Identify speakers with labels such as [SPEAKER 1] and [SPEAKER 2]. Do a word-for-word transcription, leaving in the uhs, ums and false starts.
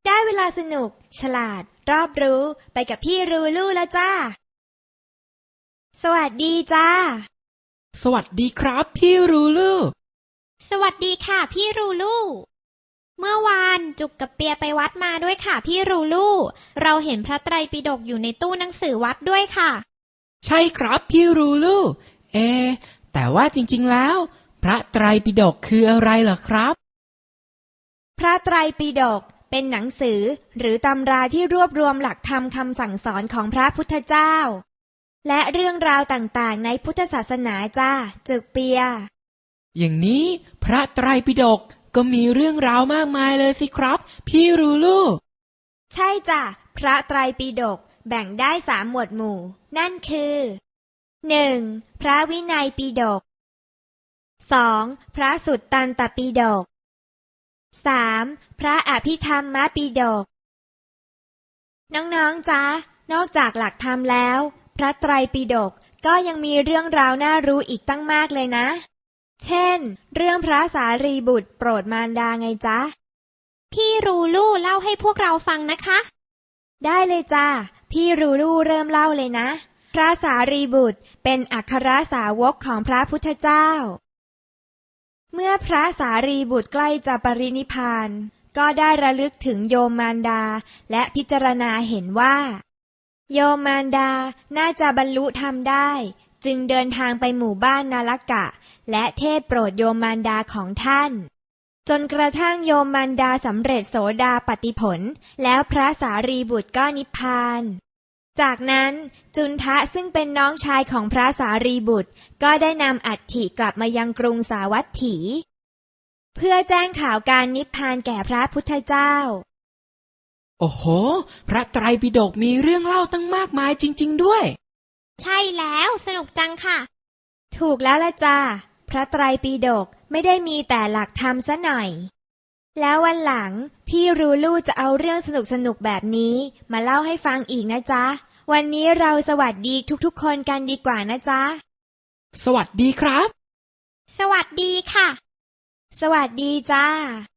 [SPEAKER 1] ได้เวลาสนุกฉลาดรอบรู้ไปกับพี่รูลู่แล้วจ้าสวัสดีจ้า
[SPEAKER 2] สวัสดีครับพี่รูลู
[SPEAKER 3] สวัสดีค่ะพี่รูลู่เมื่อวานจุกกับเปียไปวัดมาด้วยค่ะพี่รูลู่เราเห็นพระไตรปิฎกอยู่ในตู้หนังสือวัดด้วยค่ะ
[SPEAKER 2] ใช่ครับพี่รูลูเอแต่ว่าจริงๆแล้วพระไตรปิฎกคืออะไรเหรอครับ
[SPEAKER 1] พระไตรปิฎกเป็นหนังสือหรือตำราที่รวบรวมหลักธรรมคำสั่งสอนของพระพุทธเจ้าและเรื่องราวต่างๆในพุทธศาสนาจ้าจึกเปีย
[SPEAKER 2] อย่างนี้พระไตรปิฎกก็มีเรื่องราวมากมายเลยสิครับพี่รูลู
[SPEAKER 1] ใช่จ้ะพระไตรปิฎกแบ่งได้สามหมวดหมู่นั่นคือหนึ่งพระวินัยปิฎกสองพระสุตตันตปิฎกสามพระอภิธรรมปิฎกน้องๆจ๊ะนอกจากหลักธรรมแล้วพระไตรปิฎกก็ยังมีเรื่องราวน่ารู้อีกตั้งมากเลยนะเช่นเรื่องพระสารีบุตรโปรดมารดาไงจ๊ะ
[SPEAKER 3] พี่รูลู่เล่าให้พวกเราฟังนะคะ
[SPEAKER 1] ได้เลยจ้าพี่รูลู่เริ่มเล่าเลยนะพระสารีบุตรเป็นอัครสาวกของพระพุทธเจ้าเมื่อพระสารีบุตรใกล้จะปรินิพพานก็ได้ระลึกถึงโยมมารดาและพิจารณาเห็นว่าโยมมารดาน่าจะบรรลุธรรมได้จึงเดินทางไปหมู่บ้านนาลกะและเทศโปรดโยมมารดาของท่านจนกระทั่งโยมมารดาสำเร็จโสดาปัตติผลแล้วพระสารีบุตรก็นิพพานจากนั้นจุนทะซึ่งเป็นน้องชายของพระสารีบุตรก็ได้นำอัฐิกลับมายังกรุงสาวัตถีเพื่อแจ้งข่าวการนิพพานแก่พระพุทธเจ้า
[SPEAKER 2] โอ้โหพระไตรปิฎกมีเรื่องเล่าตั้งมากมายจริงๆด้วย
[SPEAKER 3] ใช่แล้วสนุกจังค่ะ
[SPEAKER 1] ถูกแล้วละจ้าพระไตรปิฎกไม่ได้มีแต่หลักธรรมซะหน่อยแล้ววันหลังพี่รูลู่จะเอาเรื่องสนุกๆแบบนี้มาเล่าให้ฟังอีกนะจ๊ะวันนี้เราสวัสดีทุกๆคนกันดีกว่านะจ๊ะ
[SPEAKER 2] สวัสดีครับ
[SPEAKER 3] สวัสดีค่ะ
[SPEAKER 1] สวัสดีจ้า